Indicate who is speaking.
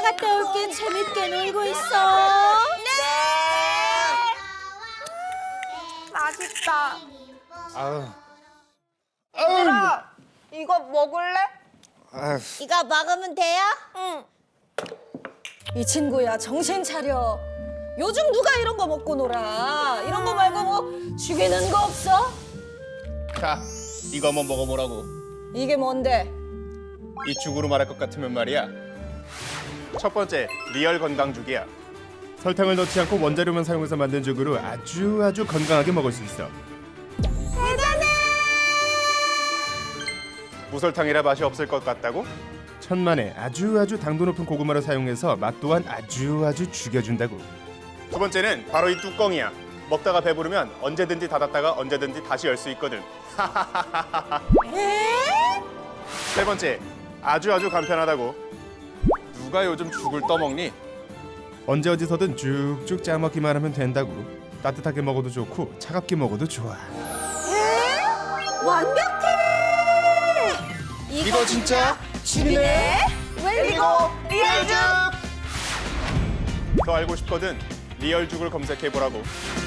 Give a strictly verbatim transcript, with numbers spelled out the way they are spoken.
Speaker 1: 갔다 올게. 재밌게 놀고 있어.
Speaker 2: 맛있다.
Speaker 3: 아우.
Speaker 2: 얘들아, 이거 먹을래?
Speaker 3: 아휴.
Speaker 1: 이거 먹으면 돼요?
Speaker 2: 응.
Speaker 4: 이 친구야, 정신 차려. 요즘 누가 이런 거 먹고 놀아? 이런 거 말고 뭐 죽이는 거 없어?
Speaker 3: 자, 이거 한번 먹어보라고.
Speaker 4: 이게 뭔데?
Speaker 3: 이 죽으로 말할 것 같으면 말이야. 첫 번째, 리얼 건강죽이야. 설탕을 넣지 않고 원자료만 사용해서 만든 죽으로 아주 아주 건강하게 먹을 수 있어. 대단해! 무설탕이라 맛이 없을 것 같다고? 천만에 아주 아주 당도 높은 고구마를 사용해서 맛 또한 아주 아주 죽여준다고. 두 번째는 바로 이 뚜껑이야. 먹다가 배부르면 언제든지 닫았다가 언제든지 다시 열 수 있거든. 세 번째, 아주 아주 간편하다고. 누가 요즘 죽을 떠먹니? 언제 어디서든 쭉쭉 짜먹기만 하면 된다고. 따뜻하게 먹어도 좋고 차갑게 먹어도 좋아.
Speaker 1: 완벽해.
Speaker 3: 이거 진짜
Speaker 1: 죽이네.
Speaker 2: 그리고 리얼죽.
Speaker 3: 더 알고 싶거든 리얼죽을 검색해보라고.